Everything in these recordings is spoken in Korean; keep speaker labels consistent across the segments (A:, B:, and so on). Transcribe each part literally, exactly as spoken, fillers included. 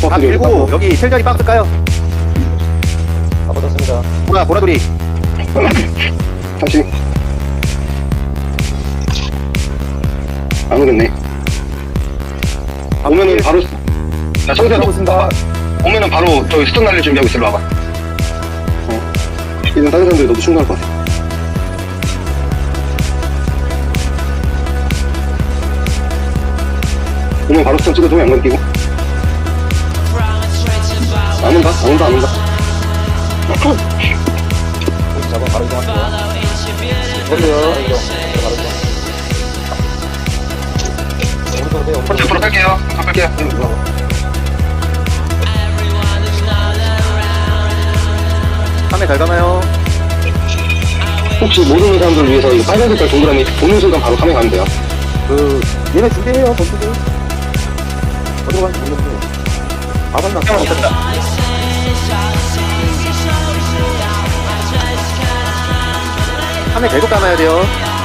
A: 밥
B: 박스
A: 들고 여기 셀자리 박스 까요.
C: 다 받았습니다.
A: 보라 보라돌이.
B: 다시. 안 오겠네. 오면은 바로, 야, 청소야, 너,
C: 있습니다.
B: 오면은 바로 저기 스톤 날릴 준비하고 있어, 일로 와봐. 어. 이런 다른 사람들이 너도 충분할 것 같아. 오면 바로 스톤 찍어줘, 양반 끼고. 안 온다, 안 온다, 안 온다.
C: 여기 잡아 바로 이동할게요. 이걸로요. 바로 이동. 바로 이동. 오른쪽으로 빼요.
B: 먼저 앞으로 갈게요. 갈게요.
A: 카메 잘 가나요?
B: 혹시 모르는 사람들을 위해서 이 빨간 색깔 동그라미 보는 순간 바로 카메라 가면 돼요.
C: 그 얘네 준비해요. 버스들. 어디로 가는지 모르겠는데. 아 맞나?
B: 형 됐다.
A: 카메 계속 감아야 돼요.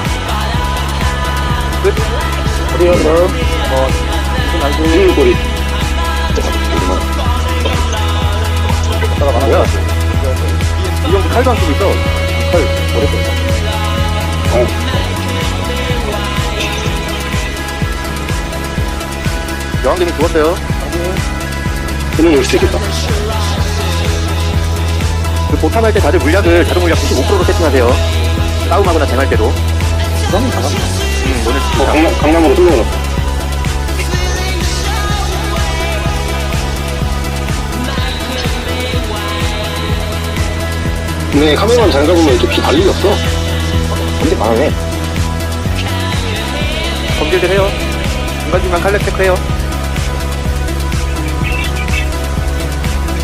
A: 끝.
C: 어디요? 그럼 어 무슨 알고
B: 이 꼬리.
C: 갔다가
A: 뭐야?
C: 가나요?
A: 이 정도 칼도 안 쓰고 있어.
C: 헐 오랬어요.
B: 어.
A: 여왕님이 죽었어요.
B: 그는 올 수 있겠다.
A: 그 보탐할 때 다들 물약을 자동 물약 구십오 퍼센트로 세팅하세요. 싸움하거나 쟁할 때도.
C: 그럼 다 갔나?
A: 음, 오늘
B: 어,
A: 진짜.
B: 강남, 강남으로 뚫어놨다. 근데 카메라만 잘 잡으면 이렇게 피 달리기 없어.
C: 근데 망하네.
A: 검질들 해요. 중간중간 칼렉 체크해요.